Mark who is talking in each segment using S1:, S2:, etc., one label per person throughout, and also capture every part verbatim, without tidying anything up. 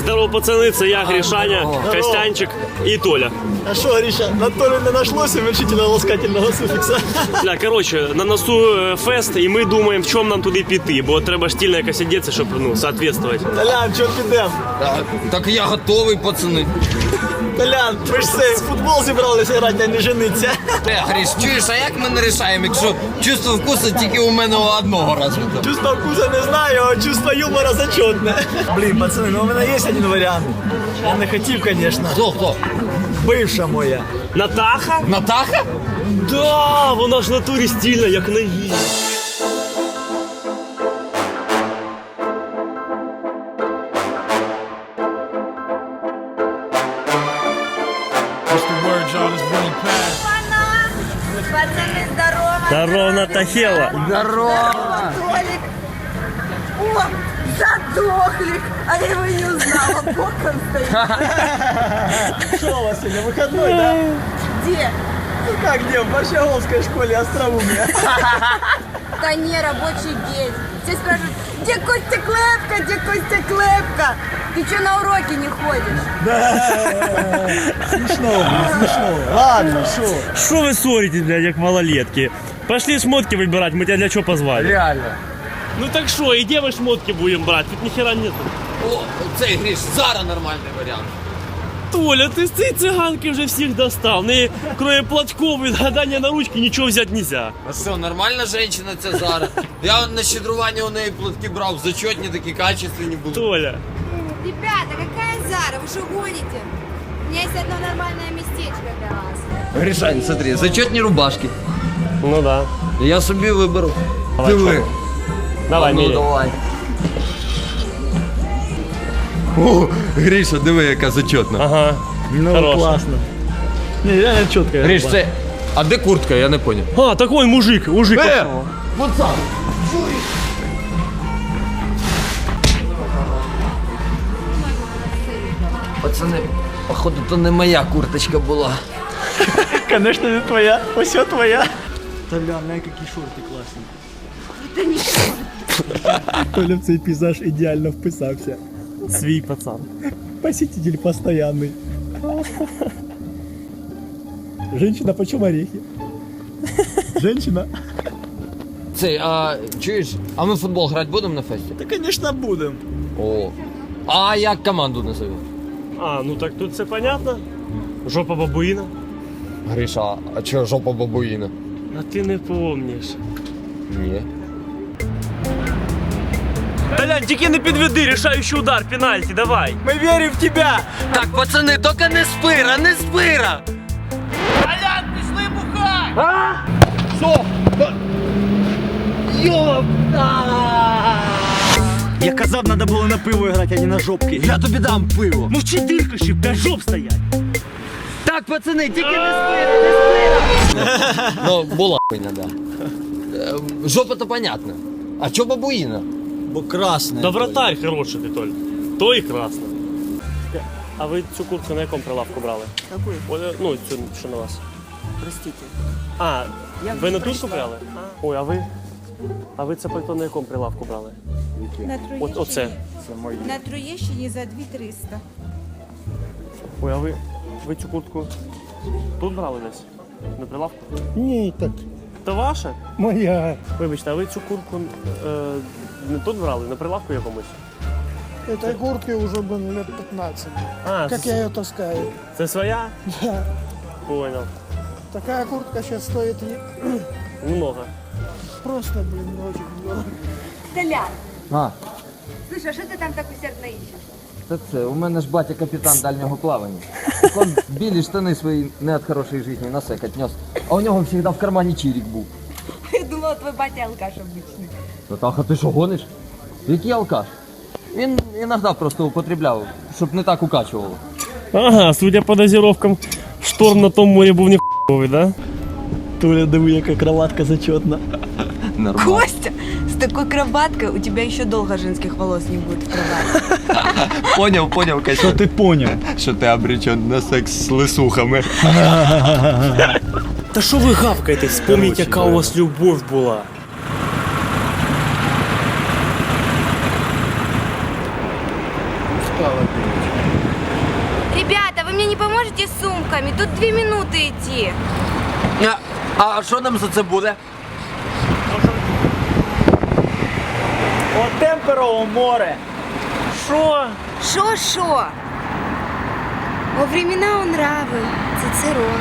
S1: Здорово, пацани, це я, Гришаня, Костянчик і Толя.
S2: А що, Гриша, на Толі не нашлося уменьшительно-ласкательного суфікса?
S1: Бля, коротше, на носу фест, і ми думаємо, в чому нам туди піти, бо треба стильно якось одягатися, щоб, ну, соответствувати.
S2: Толян, чого підемо?
S3: Так, так я готовий, пацани.
S2: Толян, ви ж це, в футбол зібралися грати, а не жениться.
S3: Е, Гриш, чуєш, а як ми не рішаємо, якщо чувство вкусу тільки у мене одного розвито?
S2: Чувство вкуса не знаю, а чувство юмора зачетне. Блін, пацани, ну у мене є один варіант. Я не хотів, звісно.
S3: Хто, хто?
S2: Бивша моя.
S1: Натаха?
S3: Натаха?
S1: Да, вона ж в натурі стильна, як на її.
S4: Пацаны, здорово!
S1: Здорово, Натахела.
S3: Здорово!
S4: Толик! О, задохлик! А я его не узнала, боком стоит.
S2: Что у вас сегодня, выходной, да?
S4: Где?
S2: Ну как где, в Борщаговской школе остроумия.
S4: Да не, рабочий день. Все спрашивают, где Костя Клепка, где Костя Клепка? Ты что, на уроки не ходишь?
S2: Смешно, блин, смешно. Ладно, шо?
S1: Що ви ссоритесь, блядь, як малолетки? Пошли шмотки выбирать, мы тебя для чего позвали?
S3: Реально.
S1: Ну так что, и где мы шмотки будем брать? Тут нихера нет.
S3: О, цей Гриш, зараз нормальний варіант.
S1: Толя, ты с этой цыганки уже всех достал. Не, кроме платков и гадания на ручки ничего взять нельзя.
S3: А що, нормальна жінка це Зара? Я на щедрування у неї платки брав, зачетні такі качественні були.
S1: Толя.
S4: Ребята, какая Зара? Вы что гоните? У меня есть одно нормальное местечко для вас.
S3: Гришань, смотри, зачетні рубашки.
S1: Ну да.
S3: Я собі виберу.
S1: Давай,
S3: Диви.
S1: чё? Давай,
S3: Ну,
S1: меряй.
S3: давай. О, Гриша, диви, яка зачетна.
S1: Ага.
S2: Ну,
S1: Хорошо.
S2: классно. Не, реально четко.
S3: Гриш, це... А де куртка? Я не поняв.
S1: А, такой мужик, мужик.
S3: Е,
S1: пошел.
S3: пацан! Пацани, походу, то не моя курточка була.
S2: Конечно, не твоя. Все твоя. Толян, на какие шорты классные.
S4: Это не шорты.
S2: Толя в цей пейзаж ідеально вписався.
S1: Свій пацан.
S2: Посетитель постоянный. Женщина, почем орехи? Женщина?
S3: Цей, а чуєш, а ми в футбол грати будемо на фесті?
S2: Да, конечно, будем.
S3: О. А як команду назовемо?
S1: А, ну так тут все понятно. Жопа бабуїна.
S3: Гриша, а чого жопа бабуїна?
S1: А ти не помниш.
S3: Ні.
S1: Толян, тільки не підведи, рішаючий удар, пенальті, давай.
S2: Мы верим в тебя.
S3: Так, пацани, тільки не спира, не спира!
S1: Толян, пішли бухай!
S3: А? Що? Йоп!
S2: Я казав, надо було на пиво грати, а не на жопки.
S3: Я тобі дам пиво.
S1: Мовчи, диркаші, п'ять жоп стоять.
S3: Так, пацани, тільки не спира, не спира! Ну, була хуйня, да. Е, Жопа-то понятно. А чо бабуїна?
S2: Бо красне.
S1: Да вратарь хороший ти, Толь. То і красно. А ви цю куртку на якому прилавку брали?
S2: Какой?
S1: О, ну, цю, що на вас.
S2: Простите.
S1: А,
S4: Я
S1: ви на
S4: прийшла.
S1: ту брали? Ой, а ви? А ви це пальто на якому прилавку брали?
S4: На
S1: От,
S4: Троєщині.
S1: оце.
S4: На Троєщині за дві триста.
S1: Ой, а ви, ви цю куртку тут брали десь? На прилавку?
S2: Ні, так,
S1: Це ваша?
S2: моя.
S1: Вибачте, а ви цю куртку е, не тут брали, на прилавку якомусь?
S5: Этой куртке уже было лет пятнадцать.
S1: А,
S5: Как
S1: це,
S5: я ее таскаю?
S1: це своя?
S5: Да.
S1: Понял.
S5: Такая куртка сейчас стоит не-
S1: Много.
S5: просто, блин, очень дорого.
S4: Толян,
S3: А,
S4: слушай, а що ти там так усердно ищеш?
S3: та це, у мене ж батя капітан дальнього плавання. Он білі штани свої не від хорошої житті на секать нес. А у нього завжди в кармані чирік був.
S4: Я думала, твій батя алкаш обичний.
S3: Натаха, ти що гониш? Який алкаш? Він іноді просто употребляв, щоб не так укачувало.
S1: Ага, судя по дозировкам, шторм на том морі був не хуйовий, да?
S2: Толя, диви, яка кроватка зачетна.
S3: Нормально.
S4: Костя, с такой кроваткой у тебя еще долго женских волос не будет в кровати.
S3: Поняв, поняв,
S2: Що
S3: Катя,
S2: ти поняв?
S3: що ти обречен на секс з лисухами.
S1: Та що ви гавкаєте? Вспомніть, яка у вас любов була.
S5: Устала, блин.
S4: идите с сумками, тут две минуты идти.
S3: А, а що нам за це буде?
S2: От темперово море.
S1: Що?
S4: Шо-шо? Во времена он нравы, Цицерон.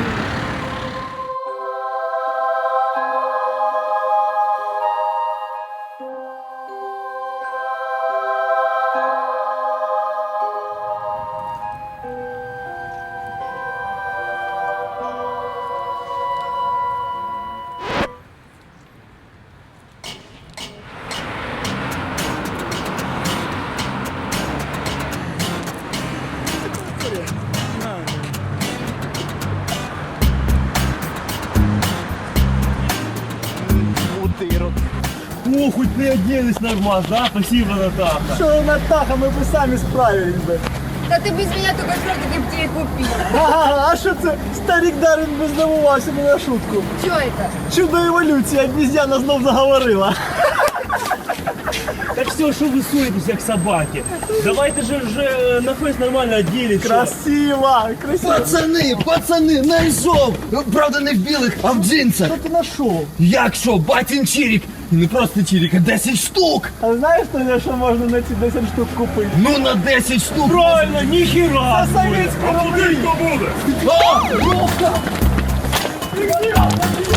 S2: Утирок.
S1: О, хоть ты оделась нормально, да? Спасибо, Натаха.
S2: Що, Натаха, ми б самі справились би.
S4: Да ты без меня только шортики в тебе купил.
S2: Ага, а що це? Старик Дарвін би здивувався не на шутку.
S4: Чё это?
S2: Чудо еволюції, обіз'яна знов заговорила.
S1: Так все, что вы ссоритесь, как собаки? Давайте же уже на фест нормально оделись. что?
S2: Красиво, красиво.
S3: Пацани, пацани, знайшов! Правда, не в білих, а в джинсах.
S2: Що ти знайшов?
S3: Як що, батін чирік? І не просто чирік, а десять штук!
S2: А знаєш, Тоня, що можна на ці десять штук купити?
S3: Ну на десять штук!
S1: Правильно, нихера!
S2: За совєтську рублі!
S3: А, Льовка!